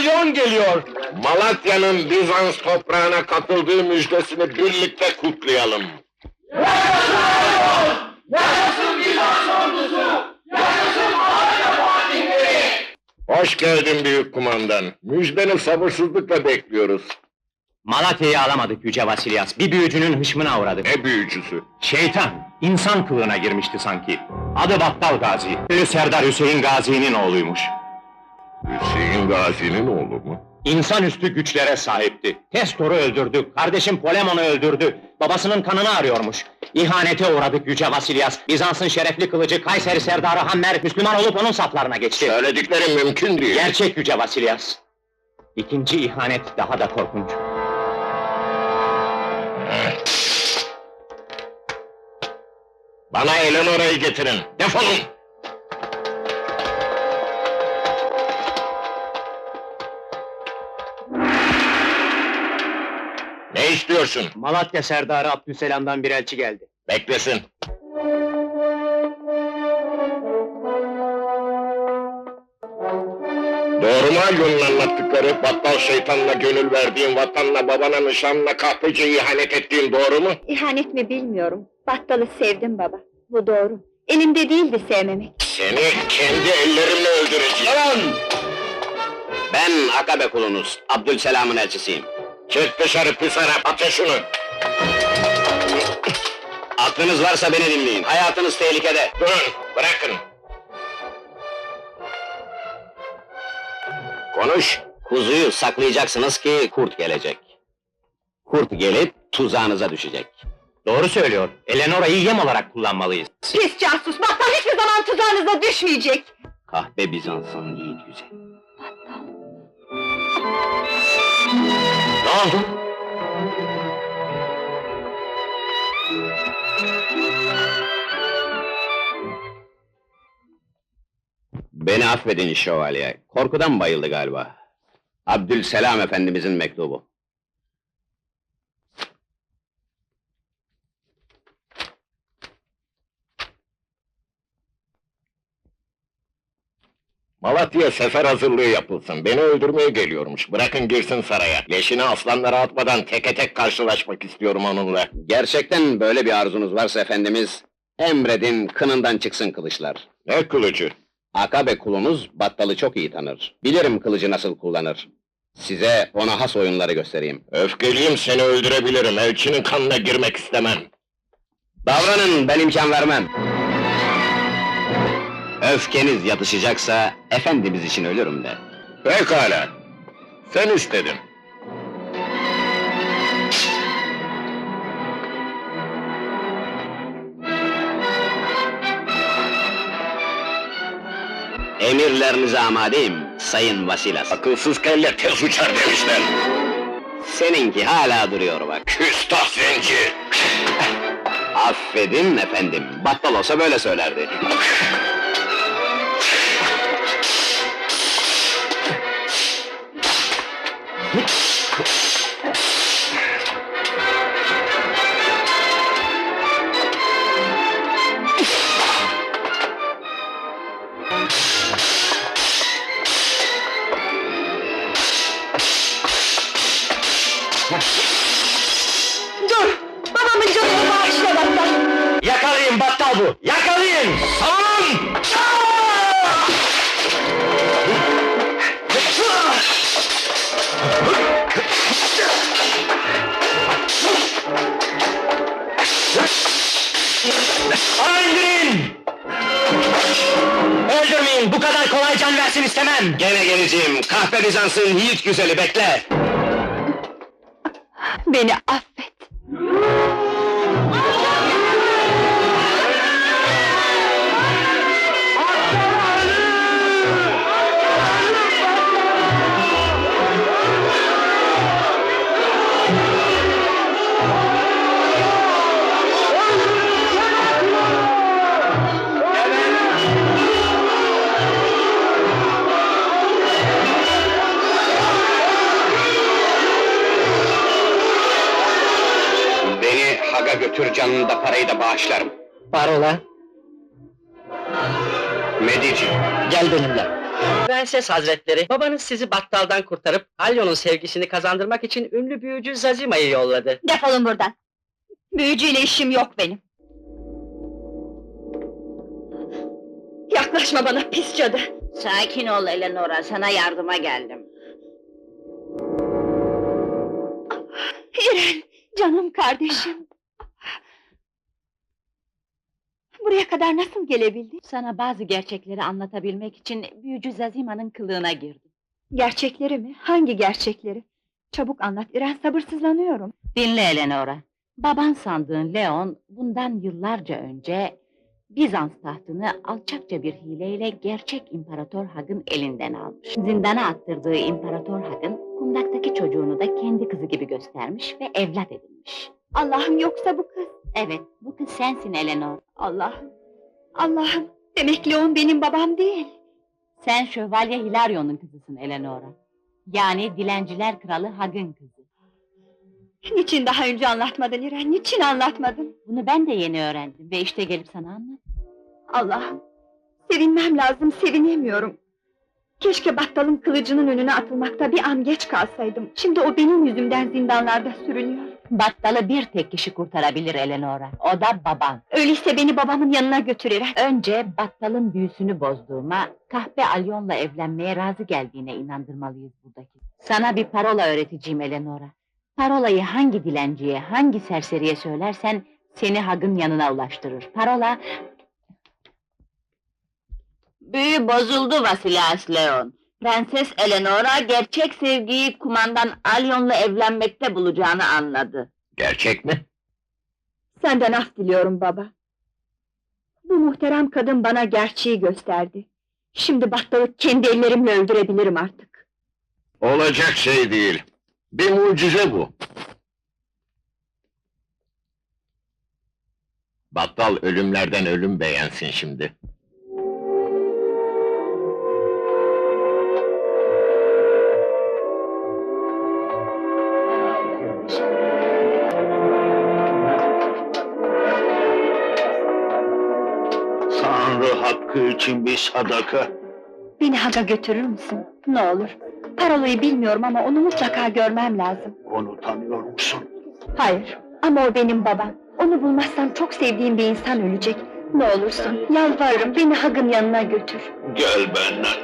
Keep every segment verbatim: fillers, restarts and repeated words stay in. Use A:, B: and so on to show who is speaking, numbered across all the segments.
A: Napolyon geliyor!
B: Malatya'nın Bizans toprağına katıldığı müjdesini birlikte kutlayalım.
A: Yaşasın Bizans ordusu! Yaşasın Malatya fatihleri!
B: Hoş geldin büyük kumandan. Müjdeni sabırsızlıkla bekliyoruz.
C: Malatya'yı alamadık Yüce Vasilyas, bir büyücünün hışmına uğradık.
B: Ne büyücüsü?
C: Şeytan, insan kılığına girmişti sanki. Adı Battal Gazi, Ünlü Serdar Hüseyin Gazi'nin oğluymuş.
B: Hüseyin Gazi'nin oğlu mu?
C: İnsanüstü güçlere sahipti. Testor'u öldürdü, kardeşim Polemon'u öldürdü. Babasının kanını arıyormuş. İhanete uğradık Yüce Vasilyas. Bizans'ın şerefli kılıcı Kayseri Serdarı Hammer, Müslüman olup onun saflarına geçti.
B: Söylediklerim mümkün değil.
C: Gerçek Yüce Vasilyas. İkinci ihanet daha da korkunç.
B: Bana Eleanora'yı getirin. Defolun! Ne istiyorsun?
C: Malatya Serdarı Abdüselam'dan bir elçi geldi.
B: Beklesin. Doğru mu Alyon'un anlattıkları? Battal şeytanla gönül verdiğin, vatanla, babana, nişanla, kahpece ihanet ettiğin doğru mu?
D: İhanet mi bilmiyorum. Battalı sevdim baba. Bu doğru. Elimde değildi sevmemek.
B: Seni kendi ellerimle öldüreceğim.
C: Ben Akabe kulunuz, Abdülselam'ın elçisiyim.
B: Çık dışarı pis Arap, atın şunu!
C: Aklınız varsa beni dinleyin, hayatınız tehlikede.
B: Durun, bırakın! Konuş!
C: Kuzuyu saklayacaksınız ki kurt gelecek. Kurt gelip tuzağınıza düşecek. Doğru söylüyor, Eleanora'yı yem olarak kullanmalıyız.
D: Pis casus! Battal hiçbir zaman tuzağınıza düşmeyecek!
C: Kahpe Bizans'ın yiğit yüzü. Ne oldu? Beni affedin şövalye, korkudan bayıldı galiba. Abdülselam efendimizin mektubu.
B: Malatya'ya sefer hazırlığı yapılsın, beni öldürmeye geliyormuş, bırakın girsin saraya. Leşini aslanlara atmadan teke tek karşılaşmak istiyorum onunla.
C: Gerçekten böyle bir arzunuz varsa efendimiz, emredin kınından çıksın kılıçlar.
B: Ne kılıcı?
C: Akabe kulunuz Battal'ı çok iyi tanır. Bilirim kılıcı nasıl kullanır. Size ona has oyunları göstereyim.
B: Öfkeliyim, seni öldürebilirim, elçinin kanına girmek istemem.
C: Davranın, ben imkan vermem. Öfkeniz yatışacaksa, efendimiz için ölürüm de.
B: Pekala, sen istedin.
C: Emirlerinize amadeyim, Sayın Vasilas.
B: Akılsız kelle tez uçar demişler.
C: Seninki hala duruyor bak.
B: Küstah zenci!
C: Affedin efendim, Battal olsa böyle söylerdi.
D: Dur! Babamın canını bağışla Battal!
C: Yakalayın Battal bu! Yakalayın! Savunun! Bana indirin! Öldürmeyin, bu kadar kolay can versin istemem! Gene geleceğim, kahpe Bizans'ın yiğit güzeli, bekle!
D: Beni affet!
C: Haga götür, canını da parayı da bağışlarım. Parola? Medici.
A: Gel benimle.
E: Prenses Hazretleri, babanız sizi battaldan kurtarıp Alyon'un sevgisini kazandırmak için ünlü büyücü Zazima'yı yolladı.
D: Defolun buradan! Büyücüyle işim yok benim! Yaklaşma bana pis cadı!
F: Sakin ol Eleanora, sana yardıma geldim.
D: İren, canım kardeşim! Buraya kadar nasıl gelebildin?
F: Sana bazı gerçekleri anlatabilmek için büyücü Zazima'nın kılığına girdim.
D: Gerçekleri mi? Hangi gerçekleri? Çabuk anlat İren, sabırsızlanıyorum.
F: Dinle Eleanora. Baban sandığın Leon, bundan yıllarca önce Bizans tahtını alçakça bir hileyle gerçek İmparator Hag'ın elinden almış. Zindana attırdığı İmparator Hag'ın kundaktaki çocuğunu da kendi kızı gibi göstermiş ve evlat edinmiş.
D: Allah'ım, yoksa bu kız?
F: Evet, bu kız sensin Eleanor.
D: Allah'ım! Allah'ım! Demek Leon benim babam değil!
F: Sen Şövalye Hilarion'un kızısın Eleanora. Yani dilenciler kralı Hag'ın kızı.
D: Niçin daha önce anlatmadın İren, niçin anlatmadın?
F: Bunu ben de yeni öğrendim ve işte gelip sana anlat.
D: Allah'ım! Sevinmem lazım, sevinemiyorum! Keşke battalın kılıcının önüne atılmakta bir an geç kalsaydım. Şimdi o benim yüzümden zindanlarda sürünüyor.
F: Battalı bir tek kişi kurtarabilir Eleanora. O da baban.
D: Öyleyse beni babamın yanına götür İren.
F: Önce battalın büyüsünü bozduğuma, kahpe Alyon'la evlenmeye razı geldiğine inandırmalıyız buradaki. Sana bir parola öğreteceğim Eleanora. Parolayı hangi dilenciye, hangi serseriye söylersen seni Hag'ın yanına ulaştırır. Parola... Büyü bozuldu Vasilias Leon. Prenses Eleanora gerçek sevgiyi kumandan Alyon'la evlenmekte bulacağını anladı.
B: Gerçek mi?
D: Senden af diliyorum baba. Bu muhterem kadın bana gerçeği gösterdi. Şimdi battalı kendi ellerimle öldürebilirim artık.
B: Olacak şey değil. Bir mucize bu. Battal ölümlerden ölüm beğensin şimdi.
A: Tanrı hakkı için bir sadaka.
D: Beni Hag'a götürür müsün? Ne olur. Parolayı bilmiyorum ama onu mutlaka görmem lazım.
A: Onu tanıyor musun?
D: Hayır, ama o benim babam. Onu bulmazsam çok sevdiğim bir insan ölecek. Ne olursun, yalvarırım, beni Hag'ın yanına götür.
A: Gel benden.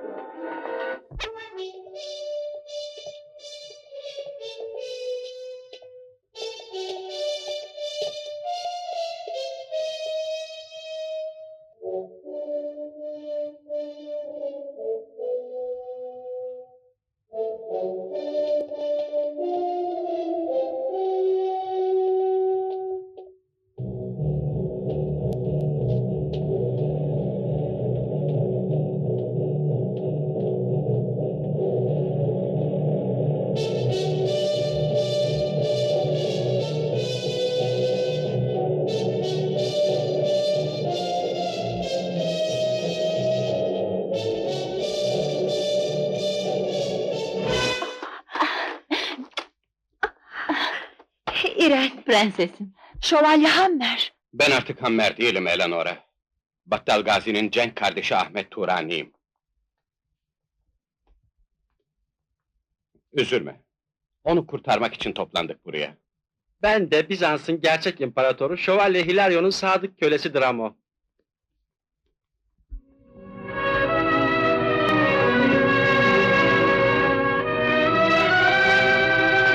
D: İren,
F: Prensesim.
D: Şövalye Hammer.
C: Ben artık Hammer değilim Eleanora. Battal Gazi'nin Cenk kardeşi Ahmet Turani'yim. Üzülme. Onu kurtarmak için toplandık buraya.
E: Ben de Bizans'ın gerçek imparatoru Şövalye Hilarion'un sadık kölesi Dramo.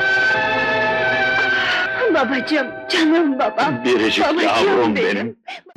D: Babacığım, canım babam.
A: Biricik
D: Babacığım
A: yavrum
D: benim.
A: benim.